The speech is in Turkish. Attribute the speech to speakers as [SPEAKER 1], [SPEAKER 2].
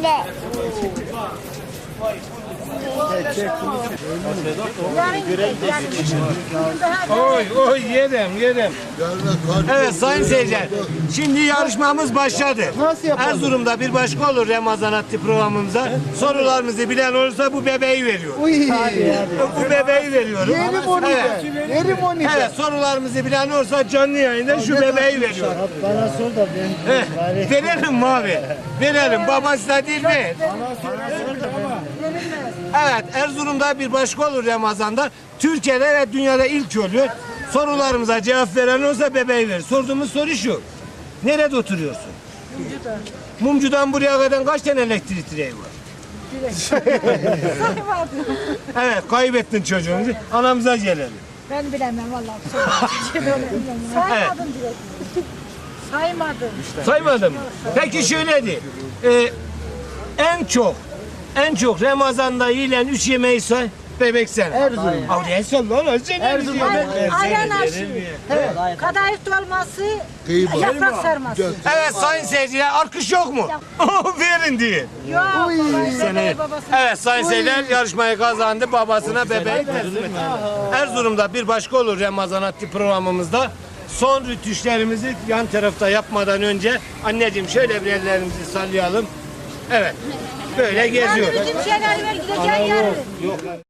[SPEAKER 1] bile.
[SPEAKER 2] Oy yedim. Evet sayın seyirciler. Şimdi yarışmamız başladı. Erzurum'da bir başka olur Ramazan adlı programımıza. Sorularımızı bilen olursa bu bebeği veriyor. Bu bebeği veriyorum.
[SPEAKER 3] Yerim onu.
[SPEAKER 2] Evet sorularımızı bilen olursa canlı yayında şu bebeği veriyor.
[SPEAKER 3] Bana sor da ben.
[SPEAKER 2] Verelim mi abi? Verelim. Babası da değil mi? Evet Erzurum'da bir başka olur Ramazan'da. Türkiye'de ve dünyada ilk oluyor. Sorularımıza cevap veren olursa bebeği verir. Sorduğumuz soru şu. Nerede oturuyorsun? Mumcu'da. Mumcu'dan buraya kadar kaç tane elektrik direği var? Evet kaybettin çocuğumuzu. Anamıza gelelim.
[SPEAKER 4] Ben bilemem vallahi. Saymadım direkt. Saymadım.
[SPEAKER 2] Saymadın mı? Peki şöyle de. En çok Ramazan'da yiyilen 3 yemeği say. Bebek sen.
[SPEAKER 3] Erzurum.
[SPEAKER 2] Avliya sallallahu
[SPEAKER 3] Erzurum.
[SPEAKER 4] Ayran aşı. Kadayıf dolması. Yaprak sarması.
[SPEAKER 2] Evet sayın seyirciler alkış yok mu? Verin diye.
[SPEAKER 4] Yok.
[SPEAKER 2] Seni. Evet sayın seyirciler yarışmayı kazandı. Babasına bebeği teslim etti. Erzurum'da bir başka olur Ramazan adlı programımızda. Son rütüşlerimizi yan tarafta yapmadan önce anneciğim şöyle bir ellerimizi sallayalım. Evet. Böyle geziyor.
[SPEAKER 4] Bizim şeyleri ver gideceğin yarın.